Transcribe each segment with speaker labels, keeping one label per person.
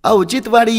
Speaker 1: औचित्यवाडी.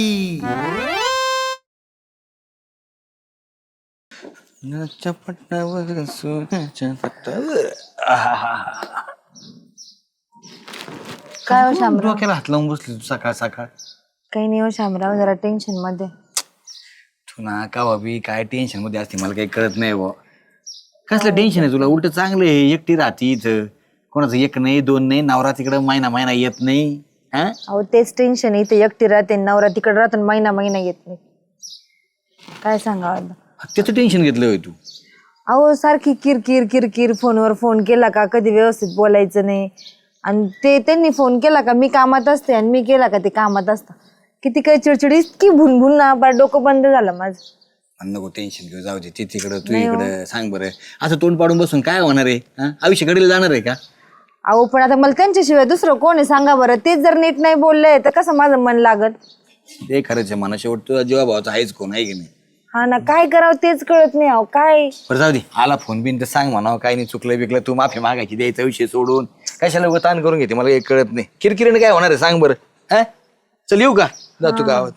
Speaker 2: काय हो शामराव?
Speaker 1: डोक्याला हात लावून बसली तू सकाळ सकाळ.
Speaker 2: काही नाही हो शामराव, जरा टेन्शन मध्ये.
Speaker 1: तू ना का बाबी काय टेन्शन मध्ये असते मला काही कळत नाही बुवा. कसलं टेन्शन आहे तुला? उलट चांगलं आहे, एकटी राहती इथं, कोणाचं एक नाही दोन नाही, नवरा तिकडं महिना महिना येत नाही. हा
Speaker 2: अहो तेच टेन्शन आहे, इथे एकटी राहते, नवरा तिकडे राहतो, महिना महिना येत नाही. काय सांगावं?
Speaker 1: त्याचं टेन्शन घेतलं होय तू?
Speaker 2: अहो सारखी किरकिर किरकिर, फोनवर फोन केला का कधी व्यवस्थित बोलायचं नाही, आणि ते त्यांनी फोन केला का मी कामात असते, आणि मी केला का ते कामात असतं. किती काही चिडचिड, इतकी भुनभुन ना, बार डोकं बंद झालं माझं.
Speaker 1: नको टेन्शन घेऊ, जाऊ दे. ते तिकडं तू इकडं. सांग बरं, असं तोंड पाडून बसून काय होणार आहे? आयुष्य घडीला जाणार आहे का?
Speaker 2: अहो पण आता मला त्यांच्याशिवाय दुसरं कोण आहे सांगा बरं? तेच जर नीट नाही बोलले तर कसं माझं मन लागत?
Speaker 1: ते खरंच आहे म्हणा, शेवट तुझा जीवा भावाचा आहेच कोण, आहे की नाही?
Speaker 2: हा ना, काय करावं तेच कळत नाही. अहो काय
Speaker 1: बरं जाऊ दे, आला फोन बिन तर सांग म्हणावं, काय नाही चुकलं बिकलं, तू माफी मागायची, द्यायचा विषय सोडून कशाला उगा ताण करून घेते, मला काही कळत नाही. किरकिरीने काय होणार आहे सांग बरं? हा चल येऊ का? जातो गावात.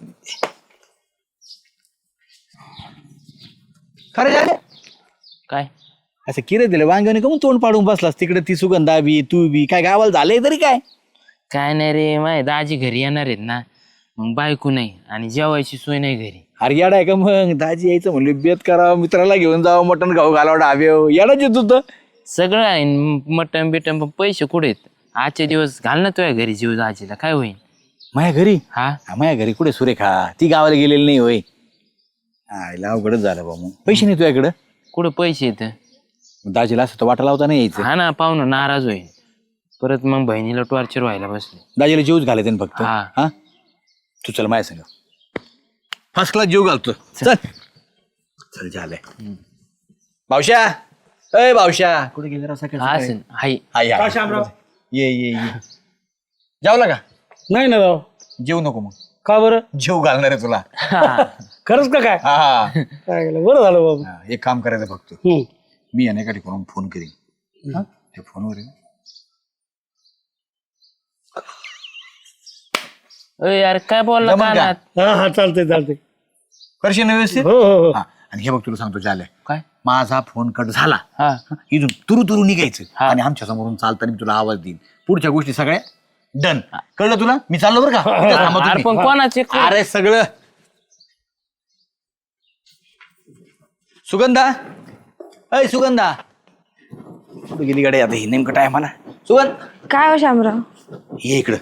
Speaker 1: खरं झालं
Speaker 3: काय
Speaker 1: असं किरे दिलं वांग्याने कमून तोंड पाडून बसलास तिकडे? ती सुगंधा बी तू बी काय गावाला झालंय तरी काय?
Speaker 3: काय नाही रे, माझे दाजी घरी येणार आहेत ना, मग बायको नाही आणि जेवायची सोय नाही घरी.
Speaker 1: अरे येडा आहे का मग? दाजी यायचं म्हणले बेत करावं, मित्राला घेऊन जावं, मटण खाऊ घालावं, डाव्याव येडाच येत होतं.
Speaker 3: सगळं आहे, मटण बिटन, पण पैसे कुठे आहेत? आजचे दिवस घाल ना तुझ्या घरी जीव दाजीला, काय होईल?
Speaker 1: माझ्या घरी?
Speaker 3: हा
Speaker 1: माझ्या घरी कुठे सुरेखा? ती गावाला गेलेली नाही होय. आईला अवघडच झालं बा. मग पैसे नाही तुझ्याकडं?
Speaker 3: कुठं पैसे येत?
Speaker 1: दाजीला असं तर वाटा लावता नाही यायचं.
Speaker 3: हा ना, पाहुणं नाराज होईल परत, मग बहिणीला टॉर्चर व्हायला बसले.
Speaker 1: दाजीला जीवच घालायचं ना फक्त.
Speaker 3: हा.
Speaker 1: हा तू चल माझ्या संग, फर्स्ट क्लास जीव घालतो. चल चल झालंय. भावश्या, अय भावश्या, कुठे गेले राव सकाळी
Speaker 3: हा
Speaker 1: सकाळी?
Speaker 3: हाय.
Speaker 1: ये ये ये. जेवला का?
Speaker 4: नाही ना राव.
Speaker 1: जेवू नको मग.
Speaker 4: का बरं?
Speaker 1: जेव घालणार आहे तुला.
Speaker 4: खरंच का काय?
Speaker 1: हा
Speaker 4: काय केलं? बरं झालं बाबा.
Speaker 1: हा, एक काम करायचं फक्त,
Speaker 4: हम्म.
Speaker 1: मी अनेका ठिकाणून फोन करीन. हा? त्या फोनवर आहे.
Speaker 3: अय यार काय बोलला
Speaker 1: जमलं का?
Speaker 3: कानात?
Speaker 4: हा हा चालतंय चालतंय.
Speaker 1: करशील ना व्यवस्थित?
Speaker 4: हो हो हो.
Speaker 1: हा, आणि हे बघ तुला सांगतो झालंय,
Speaker 3: काय?
Speaker 1: माझा फोन कट झाला,
Speaker 3: हा
Speaker 1: इथून तुरु तुरु निघायचं
Speaker 3: हा.
Speaker 1: आणि आमच्या समोरून चालताना मी तुला आवाज देईन. पुढच्या गोष्टी सगळ्या डन. कळलं तुला? मी चाललो बरं का? इथं थांबा
Speaker 3: अरे
Speaker 1: तुम्ही.
Speaker 3: पण कोणाचे?
Speaker 1: अरे सगळं. सुगंधा, अय सुगंधा, कुठे गेली गाडी आता ही नेमकं टायमाला? सुगंध,
Speaker 2: काय हो शामराव?
Speaker 1: ये इकडं.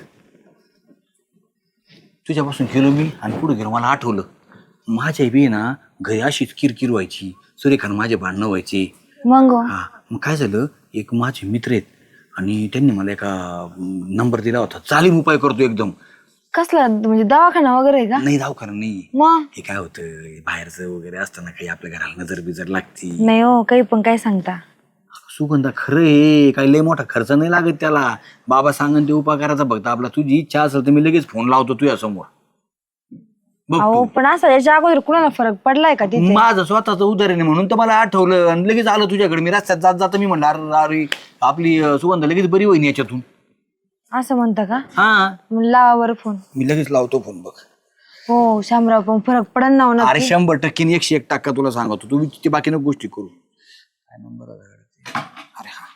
Speaker 1: तुझ्यापासून गेलो मी आणि पुढे गेलो, मला आठवलं माझ्या बी ना घरी अशीच किरकिर व्हायची, सुरेखान माझे भांडणं व्हायचे.
Speaker 2: मग
Speaker 1: हा मग काय झालं, एक माझे मित्र आहेत आणि त्यांनी मला एका नंबर दिला होता, चालीम उपाय करतो एकदम.
Speaker 2: कसला म्हणजे दवाखाना वगैरे आहे का?
Speaker 1: नाही दवाखाना नाही,
Speaker 2: मग
Speaker 1: हे काय होतं बाहेरचं वगैरे असताना काही आपल्या घराला नजर बिजर लागती.
Speaker 2: नाही हो, काही पण काय सांगता.
Speaker 1: सुगंधा खरं आहे, काही लय मोठा खर्च नाही लागत त्याला. बाबा सांगन ते उपाय करायचा फक्त आपला. तुझी इच्छा असेल तर मी लगेच फोन लावतो तुझ्या समोर. बघ
Speaker 2: अहो
Speaker 1: तू.
Speaker 2: पण असं याच्या अगोदर कुणाला फरक पडलाय का तिथे?
Speaker 1: माझं स्वतःच उदाहरण आहे म्हणून तर मला आठवलं आणि लगेच आलं तुझ्याकडे. मी रस्त्यात जात जात मी म्हणलं अरे अरे आपली सुगंधा लगेच बरी होईन याच्यातून.
Speaker 2: असं म्हणता का?
Speaker 1: हा
Speaker 2: मग लावा बरं फोन.
Speaker 1: मी लगेच लावतो फोन. बघ
Speaker 2: हो शामराव, पण फरक पडन ना हो
Speaker 1: अरे
Speaker 2: नक्की.
Speaker 1: 100% 101% तुला सांगतो. तू ते बाकी नको गोष्टी करू. काय नंबर? अरे हा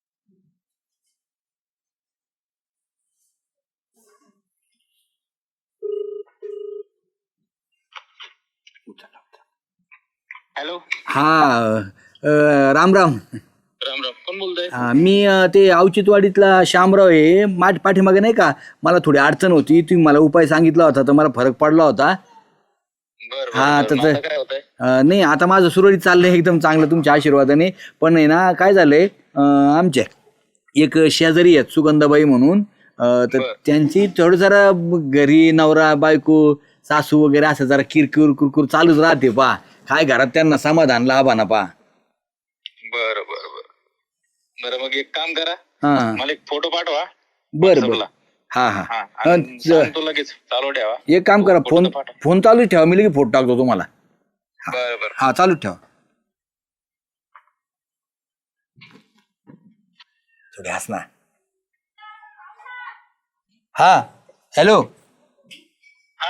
Speaker 5: हॅलो.
Speaker 1: हा राम राम.
Speaker 5: राम राम, कोण बोलतोय?
Speaker 1: हा, मी ते औचित्यवाडीतला शामराव आहे. माझ्या पाठीमागे नाही का मला थोडी अडचण होती, तुम्ही मला उपाय सांगितला होता तर मला फरक पडला होता.
Speaker 5: बरं
Speaker 1: हा,
Speaker 5: बरं,
Speaker 1: तर
Speaker 5: बरं. आता काय होतंय?
Speaker 1: नाही आता माझं सुरळीत चाललंय एकदम चांगलं तुमच्या आशीर्वादाने. पण आहे ना काय झालंय, आमच्या एक शेजारी आहेत सुगंधाबाई म्हणून, तर
Speaker 5: बरं.
Speaker 1: त्यांची थोडं जरा घरी नवरा बायको सासू वगैरे असं जरा किरकिर कुरकुर चालूच राहते पा. काय घरात त्यांना समाधान लाभाना पा.
Speaker 5: बरं बरं बरं बरं, मग एक काम करा,
Speaker 1: हा
Speaker 5: मला एक फोटो पाठवा.
Speaker 1: बरं बरं.
Speaker 5: WhatsApp ला.
Speaker 1: हा हा
Speaker 5: हा, आणि सांगतो लगेच चालू ठेवा.
Speaker 1: एक काम करा,
Speaker 5: फोटो
Speaker 1: फोन
Speaker 5: तर पाठवा.
Speaker 1: फोन चालूच ठेवा, मी लगेच फोटो टाकतो तुम्हाला.
Speaker 5: बरं बरं.
Speaker 1: हा चालूच ठेवा. थोडी हस ना. हा हॅलो.
Speaker 5: हा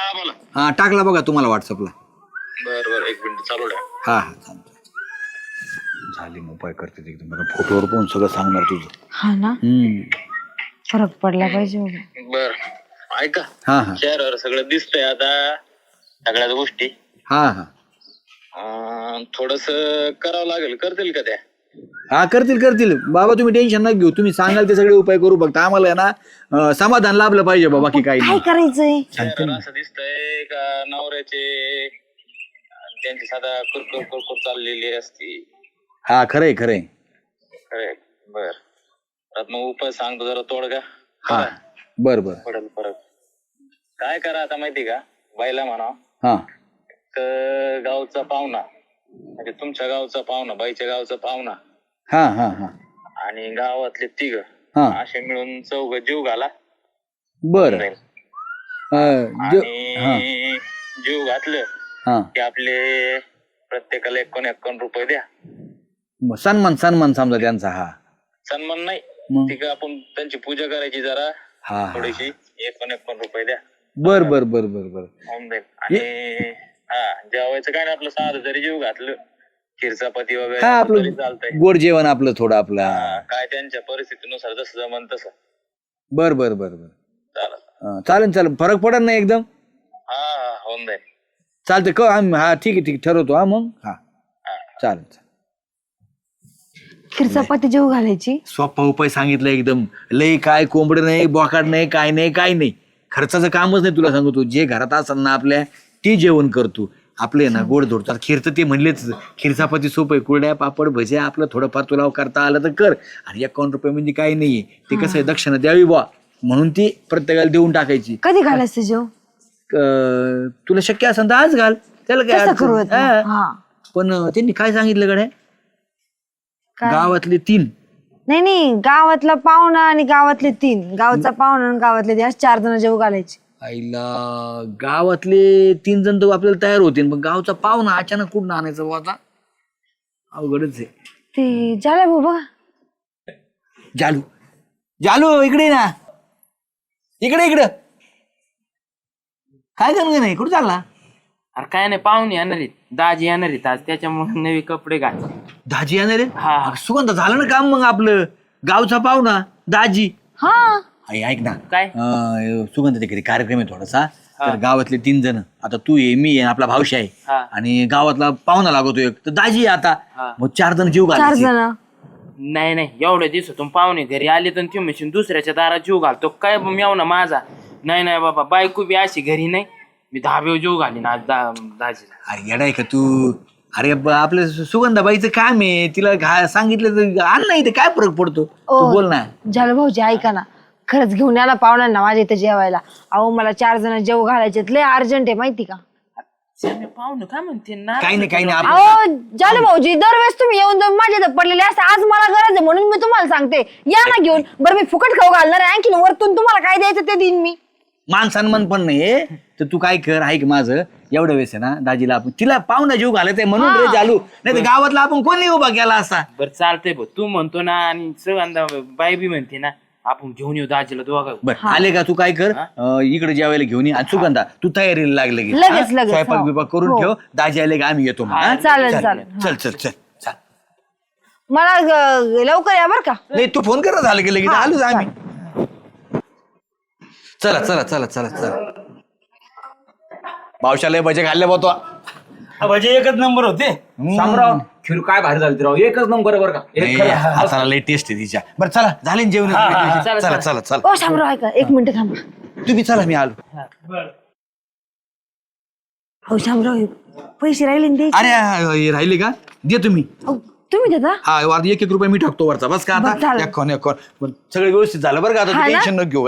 Speaker 1: हा टाकला बघा तुम्हाला व्हॉट्सअपला.
Speaker 5: बरं एक मिनिट चालू द्या.
Speaker 1: हा हा चालतंय. झाली मग उपाय करते ते एकदम बरं. फोटोवर पण सगळं सांगणार तुझं.
Speaker 2: हा ना, फरक पडला पाहिजे बाबा.
Speaker 5: बर ऐका,
Speaker 1: हा हा
Speaker 5: चेहऱ्यावर सगळं दिसतंय आता सगळ्याच गोष्टी.
Speaker 1: हा हा
Speaker 5: थोडस करावं लागेल, करतील का त्या?
Speaker 1: हा करतील बाबा, तुम्ही टेन्शन नका घेऊ. तुम्ही सांगाल ते सगळे उपाय करू. फक्त आम्हाला आहे ना समाधान लाभलं पाहिजे बाबा, की काही
Speaker 2: काय
Speaker 1: नाही.
Speaker 2: करायचंय?
Speaker 5: चेहऱ्यावर असं दिसतंय का नवऱ्याचे त्यांची साधा कुरकुर चाललेली असती.
Speaker 1: हा खरंय खरंय.
Speaker 5: खरंय. बर मग उपाय सांगतो जरा तोडगा.
Speaker 1: हा बर बर.
Speaker 5: पडेल परत. काय करा आता माहिती का, बाईला म्हणा
Speaker 1: हा
Speaker 5: गावचा पाहुणा, म्हणजे तुमच्या गावचा पाहुणा, बाईच्या गावचा पाहुणा
Speaker 1: हा हा हा
Speaker 5: आणि गावातले 3
Speaker 1: हा
Speaker 5: असे मिळून 4 जीव घाला.
Speaker 1: बर.
Speaker 5: आणि जीव घातलं
Speaker 1: हा
Speaker 5: की आपले प्रत्येकाला 51 रुपये द्या.
Speaker 1: सन्मान समजा त्यांचा. हा
Speaker 5: सन्मान नाही,
Speaker 1: मग?
Speaker 5: ठीक आहे, आपण त्यांची पूजा करायची जरा
Speaker 1: हा
Speaker 5: थोडीशी. 51 रुपये द्या.
Speaker 1: बर बर बर बर बर.
Speaker 5: होऊन जाईल. आणि जेवायचं काय नाही, आपलं साधं जरी जीव घातलं, खीर चपाती
Speaker 1: हा
Speaker 5: वगैरे
Speaker 1: आपलं
Speaker 5: तरी चालतंय.
Speaker 1: गोड जेवण आपलं थोडं आपलं.
Speaker 5: काय त्यांच्या परिस्थितीनुसार जसं जमन तसं.
Speaker 1: बर बर बर बर.
Speaker 5: चालेल.
Speaker 1: चालेल फरक पडत नाही एकदम.
Speaker 5: होऊन जाईल.
Speaker 1: चालतंय क हा ठीक आहे ठरवतो. हा मग हा चालेल.
Speaker 2: खीर चपाती जेव घालायची.
Speaker 1: सोपा उपाय सांगितलं एकदम. लई काय कोंबड नाही, बोकाड नाही, काय नाही. खर्चाचं कामच नाही. तुला सांगतो, जे घरात असेल ना आपल्या ते जेवण करतो. आपले ना गोड धोडतात. खीर तर ते म्हणलेच, खीर चपाती सोपं आहे. कुरड्या पापड भज्या आपलं थोडंफार तुला करता आलं तर कर. आणि 51 रुपये म्हणजे काही नाहीये. ते कसं आहे, दक्षिणा द्यावी बा म्हणून ती प्रत्येकाला देऊन टाकायची.
Speaker 2: कधी घालायचं जेव?
Speaker 1: तुला शक्य असेल तर आज घाल, त्याला काय
Speaker 2: तसं
Speaker 1: अडचण
Speaker 2: करू
Speaker 1: नाही.
Speaker 2: आता.
Speaker 1: हा.
Speaker 2: हा.
Speaker 1: पण त्यांनी काय सांगितलं गड्या, गावातले 3
Speaker 2: नाही गावातला पाहुणा आणि गावातले 3, गावचा पाहुणा आणि गावातले 3 असे 4 जण जेव घालायचे.
Speaker 1: आईला गावातले 3 जण तर आपल्याला तयार होते, पण गावचा पाहुणा अचानक कुठं आणायचं बुवा आता? अवघडच आहे.
Speaker 2: ते झालं भाऊ बघा.
Speaker 1: जालू इकडे ना, इकडे काय करणार नाही, कुठं चालला?
Speaker 3: अरे काय नाही, पाहुणे येणार आहेत, दाजी येणार आहेत आज, त्याच्यामुळे नवी कपडे घाल.
Speaker 1: दाजी येणार आहे?
Speaker 3: हा.
Speaker 1: अगं, सुगंध झालं ना काम मग आपलं. गावचा पाहुणा दाजी.
Speaker 2: हा
Speaker 1: आई ऐक ना,
Speaker 3: काय?
Speaker 1: सुगंध तिकडे कार्यक्रम आहे थोडासा. तर गावातले 3 जण, आता तू आहे, मी आहे, आपला भावशी आहे,
Speaker 3: हा.
Speaker 1: आणि गावातला पाहुणा लागतो एक, तर दाजी आहे आता.
Speaker 3: हा.
Speaker 1: मग 4 जण जीव
Speaker 2: 4
Speaker 1: घालायचे.
Speaker 2: जण.
Speaker 3: नाही एवढ्या दिवसातून पाहुणे घरी आले तर तुम्ही म्हणशील दुसऱ्याच्या दारात जीव घालतो काय मेवना माझा. नाही बाबा, बायको बी अशी घरी नाही, मी धाब्यावर जीव घालीन आज दाजीला.
Speaker 1: अरे येडा आहे का तू? अरे आपल्या सुगंधाबाईचं काम आहे, तिला सांगितलं तर आण नाही, ते काय फरक पडतो? तू बोल ना.
Speaker 2: झालं भाऊजी ऐका ना, खरंच घेऊन याला पाहुण्यांना माझ्या इथे जेवायला. अहो मला 4 जण जेव घालायचे, लय अर्जंट आहे माहिती का?
Speaker 3: पाहुणे काय म्हणते ना,
Speaker 1: काही नाही
Speaker 2: अहो झालं भाऊजी, दरवेळेस तुम्ही येऊन जाऊन माझ्या इथं पडलेले असते, आज मला गरज आहे म्हणून मी तुम्हाला सांगते, या ना घेऊन. बरं मी फुकट खाऊ घालणार आहे, आणखी वरतून तुम्हाला काय द्यायचं ते देईन मी.
Speaker 1: मान सन्मान पण नाही, तर तू काय कर, ऐक माझं, एवढ्या वेळेस आहे ना दाजीला आपण तिला पाहुणा जीव घालायचंय म्हणून रे चालू, नाही तर गावातला आपण कोणी उभा केला असता.
Speaker 3: बरं चालतंय भाऊ, तू म्हणतो ना आणि सगळ्यांदा बाई बी म्हणते ना, आपण घेऊन येऊ दाजीला दोघा.
Speaker 1: बरं आले का, तू काय कर, इकडे जेवायला घेऊन ये. आणि सुगंधा तू तयारीला लागले की
Speaker 2: लगेच,
Speaker 1: स्वयंपाक
Speaker 2: हो.
Speaker 1: बिपाक करून ठेव. दाजी आले का आम्ही येतो मग, हा?
Speaker 2: चालेल.
Speaker 1: चल
Speaker 2: मला लवकर या बरं का.
Speaker 1: नाही तू फोन कर, झालं की लगेच आलोच आम्ही. चला पावसाला भजे खाल्ले बघतो.
Speaker 4: भजे एकच नंबर होते.
Speaker 6: शामराव, खीर काय भारी झाली राव, एकच नंबर आहे बरं का. एक खरं.
Speaker 1: हाताला लई टेस्ट आहे तिच्या. बरं चला, झाले ना जेवण? चला
Speaker 2: ओ शामराव ऐका, 1 मिनिट थांबा.
Speaker 1: तुम्ही चला, मी आलो.
Speaker 2: हो शामराव, पैसे राहिले ना द्यायचे.
Speaker 1: अरे राहिले का? दे तुम्ही.
Speaker 2: अहो, तुम्ही देता?
Speaker 1: हा, 1 रुपये मी टाकतो वरचा, बस का
Speaker 2: बरं,
Speaker 1: आता?
Speaker 2: चालेल.
Speaker 1: एक पण सगळं व्यवस्थित झालं बरं का, आता
Speaker 2: हा ना?
Speaker 1: टेन्शन न घेऊ.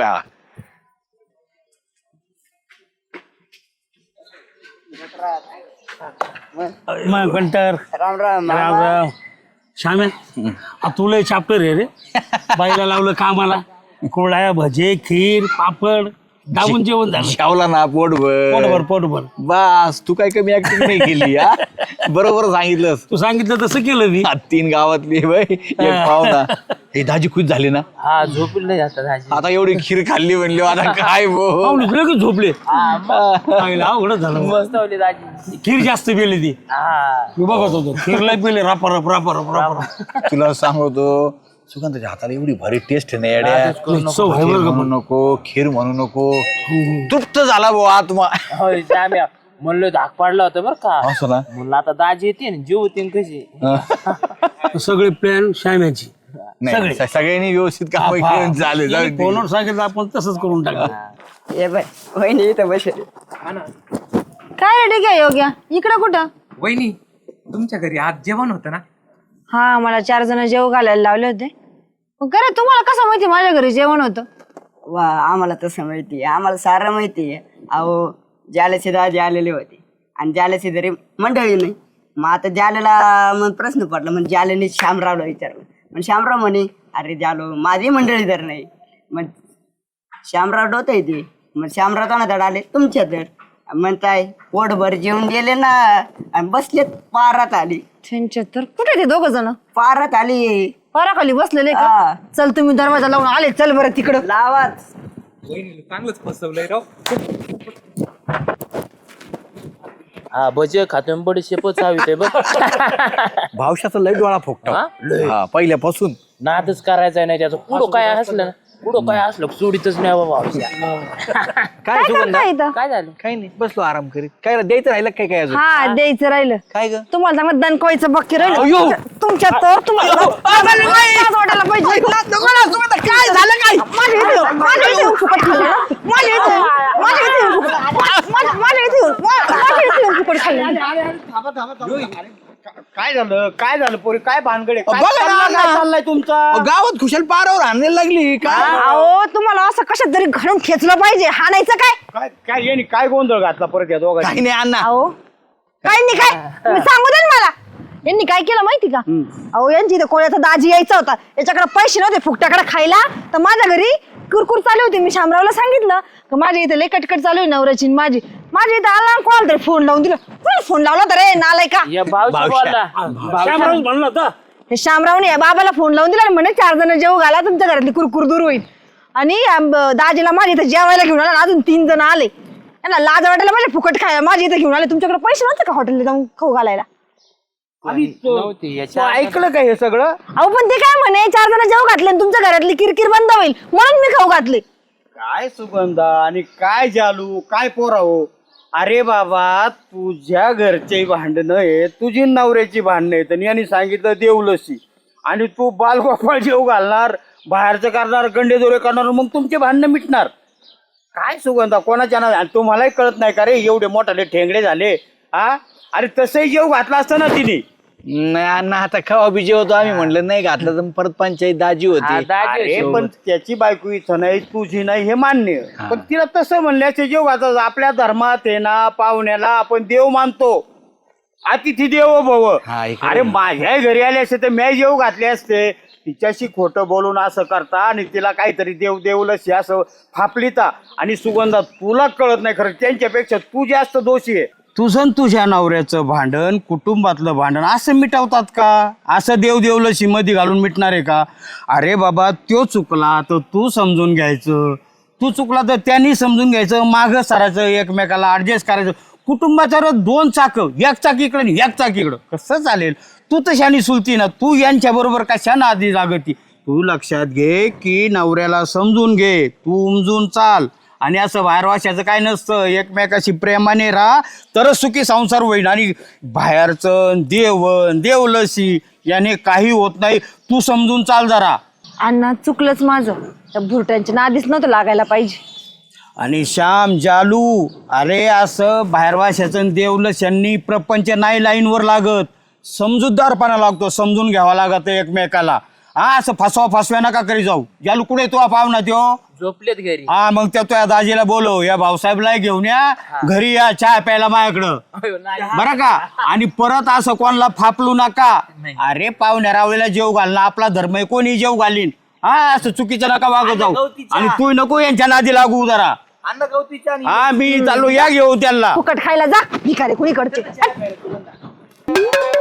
Speaker 4: मग कंटर राम श्याम्या, तुला चाप्टर आहे रे. बाईला लावलं कामाला, कोळ्या भजे खीर पापड दाबून जेवण झालं
Speaker 1: जेवला ना
Speaker 4: पोटभर
Speaker 1: पोटभर बस. तू काय कमी ऍक्टिंग नाही केली हा. बरोबर सांगितलंस.
Speaker 4: तू सांगितलं तसं केलं मी.
Speaker 1: 3 गावातली बाई एक पाहुणा. हे दाजी खुश झाले ना.
Speaker 3: हा झोपले नाही जातात दाजी.
Speaker 1: आता एवढी खीर खाल्ली म्हणली आता काय भाऊ.
Speaker 4: पाहुणे लगेच झोपले. अवघडच झालं.
Speaker 3: मस्त होली दाजी.
Speaker 4: खीर जास्त पेली ती.
Speaker 3: हा
Speaker 4: मी बघत होतो खीरला पेले रापरप रापरप रापरप.
Speaker 1: तुला सांगतो सुगंधाच्या हाताला एवढी भारी टेस्ट नाही
Speaker 4: चव आहे
Speaker 1: खीर
Speaker 4: बरं का
Speaker 1: म्हणू नको खीर म्हणू नको. तृप्त झाला भाऊ आत्मा.
Speaker 3: होय श्याम्या म्हणलं धाक पाडला होता बरं का.
Speaker 1: असं ना.
Speaker 3: म्हणलं आता दाजी येते ना जीव होते कशी.
Speaker 4: सगळे प्लॅन श्याम्याची.
Speaker 1: नाही, सगळ्यांनी व्यवस्थित काम करून झाले जाऊ दे.
Speaker 4: फोनवर सांगितलं आपण तसंच करून टाकलं.
Speaker 7: ये बाय वहिनी इथं बसेल.
Speaker 2: काय रे ठीक आहे योग्या इकडं कुठं?
Speaker 8: वहिनी तुमच्या घरी आज जेवण होतं ना.
Speaker 2: हा मला 4 जण जेव घालायला लावले होते. खरं तुम्हाला कसं माहिती माझ्या घरी जेवण होतं?
Speaker 7: वा आम्हाला तसं माहिती आहे आम्हाला सारं माहिती आहे. अहो जालेचे दाजी आलेले होते आणि जालेचे तरी मंडळी नाही. मग आता जालेला मग प्रश्न पडला मग जालेने श्यामरावला विचारलं. मग श्यामराव म्हणे अरे जालो माझी मंडळी तर नाही. मग श्यामराव डोत येते. मग श्यामराव कोणाकडे आले तुमच्याकडे. म्हणताय पोटभर जेवून गेले ना आणि बसलेत पारात आली.
Speaker 2: त्यांच्या तर कुठे ते 2 जण
Speaker 7: पारात आली
Speaker 2: पाराखाली बसलेले
Speaker 7: हा.
Speaker 2: का? चल तुम्ही दरवाजा लावून आले चल बरं तिकडं.
Speaker 7: लावाच.
Speaker 8: वहिनीला चांगलंच फसवलंय राव.
Speaker 3: हा भज खातो बडी शेपच हवी ते बघ.
Speaker 1: भावशाचा लय डोळा फोकटा. हा पहिल्यापासून
Speaker 3: नादच करायचा नाही त्याचं. पुढं काय असलं ना पुढं काय असलं सोडीतच नाही बाबा.
Speaker 1: काय सुगंधा
Speaker 2: काय इथं?
Speaker 3: काय झालं?
Speaker 1: काही नाही बसलो आराम करीत. काय रे, द्यायचं राहिलं काय काय अजून.
Speaker 2: हा द्यायचं राहिलं.
Speaker 1: काय ग
Speaker 2: तुम्हाला चांगलं दणकवायचं बाकी राहिलं तुमच्या तर तुम्हाला वाटायला पाहिजे. काय झालं काय माझ्या इथे येऊन फुकट खाल्लं ना? माझ्या इथे येऊन फुकट खाल्लं.
Speaker 4: काय झालं पोरी काय भानगडे
Speaker 1: बघा ना, अण्णा.
Speaker 4: चाललाय तुमचा.
Speaker 1: गावात खुशाल पारावर हाणायला लागली काय.
Speaker 2: अहो तुम्हाला असं कशात तरी घालून खेचलं पाहिजे. हाणायचं काय?
Speaker 4: काय काय यांनी काय गोंधळ घातला परत या दोघांनी.
Speaker 1: काही नाही अण्णा.
Speaker 2: अहो काय नाही काय तुम्ही सांगू दे ना मला. यांनी काय केलं माहिती का? अहो यांची इथं कोणाचा दाजी यायचा होता. याच्याकडे पैसे नव्हते फुकट्याकडे खायला. तर माझ्या घरी कुरकुर चालू होती. मी शामरावला सांगितलं की माझ्या इथे लय कटकट चालू आहे नवऱ्याची माझी. माझ्या इथं आला कोणाला तरी फोन लावून दिलं. कोणाला फोन लावला तर रे नालाय का?
Speaker 3: या भावशी बोलला.
Speaker 4: श्यामराव म्हणलं होतं.
Speaker 2: हे शामरावने या बाबाला फोन लावून दिला आणि म्हणे 4 जण जेव घाला तुमच्या घरातली कुरकुर दूर होईल. आणि दाजीला माझ्या इथं जेवायला घेऊन आला. अजून 3 जण आले. यांना लाज वाटायला माझ्या फुकट खायला माझ्या इथं घेऊन आले. तुमच्याकडे पैसे नव्हते का हॉटेलला जाऊन खाऊ घालायला?
Speaker 3: नव्हती याच्या
Speaker 4: ऐकलं काय हे सगळं.
Speaker 2: अहो पण ते काय म्हणे 4 जण जेव घातले आणि तुमच्या घरातली किरकिर बंद होईल म्हणून मी खाऊ घातले.
Speaker 4: काय सुगंधा आणि काय जालू काय पोराहो. अरे बाबा तुझ्या घरचे भांडणं आहे तुझी नवऱ्याची भांडणं आहेत आणि यांनी सांगितलं देवलसी आणि तू बालगोपाळ जेव घालणार बाहेरचं करणार गंडे दोरे करणार मग तुमचे भांडणं मिटणार. काय सुगंधा कोणाच्या ना तुम्हालाही कळत नाही का रे एवढे मोठाले ठेंगडे झाले. हा अरे तसंही जेव घातला असतं ना तिने.
Speaker 1: नाही अण्णा आता खावा बी जेवतो आम्ही. म्हणलं नाही घातलं तर परत पंचायत दाजी होती.
Speaker 4: अरे पण त्याची बायको इथं नाही तुझी नाही हे मान्य. पण तिला तसं म्हणल्याचे जेव घातलं. आपल्या धर्मात आहे ना पाहुण्याला आपण देव मानतो. अतिथी देवो भव. अरे माझ्या घरी आले असते तर मी जेव घातले असते. तिच्याशी खोटं बोलून असं करता आणि तिला काहीतरी देव देवलशी असं फापलिता. आणि सुगंधा तुला कळत नाही खरं त्यांच्यापेक्षा तू जास्त दोषी आहे. तुझं तुझ्या नवऱ्याचं भांडण कुटुंबातलं भांडण असं मिटवतात का? असं देव देवलशी मध्ये घालून मिटणार आहे का? अरे बाबा तो चुकला तर तू समजून घ्यायचं. तू चुकला तर त्यांनी समजून घ्यायचं. मागं सरायचं एकमेकाला ऍडजस्ट करायचं. कुटुंबाच्या 2 चाकं एक चाक इकडं आणि एक चाक इकडं कसं चालेल? तू तशानी सुलती ना. तू यांच्या बरोबर कशानं आधी जागती? तू लक्षात घे की नवऱ्याला समजून घे. तू उमजून चाल. आणि असं बाहेर वाशाचं काय नसतं. एकमेकाशी प्रेमाने राहा तरच सुखी संसार होईल. आणि बाहेरचं देवण देवलसी याने काही होत नाही. तू समजून चाल जरा.
Speaker 2: अण्णा चुकलंच माझं. त्या भुरट्यांच्या नादीच नव्हतं लागायला पाहिजे.
Speaker 4: आणि श्याम जालू अरे असं बाहेर वाशाचं देवलस्यांनी प्रपंच नाही लाईनवर लागत. समजूतदारपणा लागतो. समजून घ्यावा लागत एकमेकाला. हा असं फसव्या नका करी जाऊ. जालू कुठे तो पाहुणा त्यो
Speaker 3: झोपलेत घरी.
Speaker 4: हा मग त्या दाजीला बोलव या भाऊसाहेबला घेऊन या घरी या चहा प्यायला माझ्याकडं बरं का. आणि परत असं कोणाला फापलू नका. अरे पाहुण्या रावळीला जेव घालणं आपला धर्म आहे. कोणी जेव घालीन. हा असं चुकीचं नका वागत जाऊ. आणि तू नको यांच्या नादी लागू जरा.
Speaker 1: अन्न गवतीच्या आणि
Speaker 4: हा मी चाललो, या घेऊ त्यांना.
Speaker 2: फुकट खायला जा भिकारे कुणीकडचे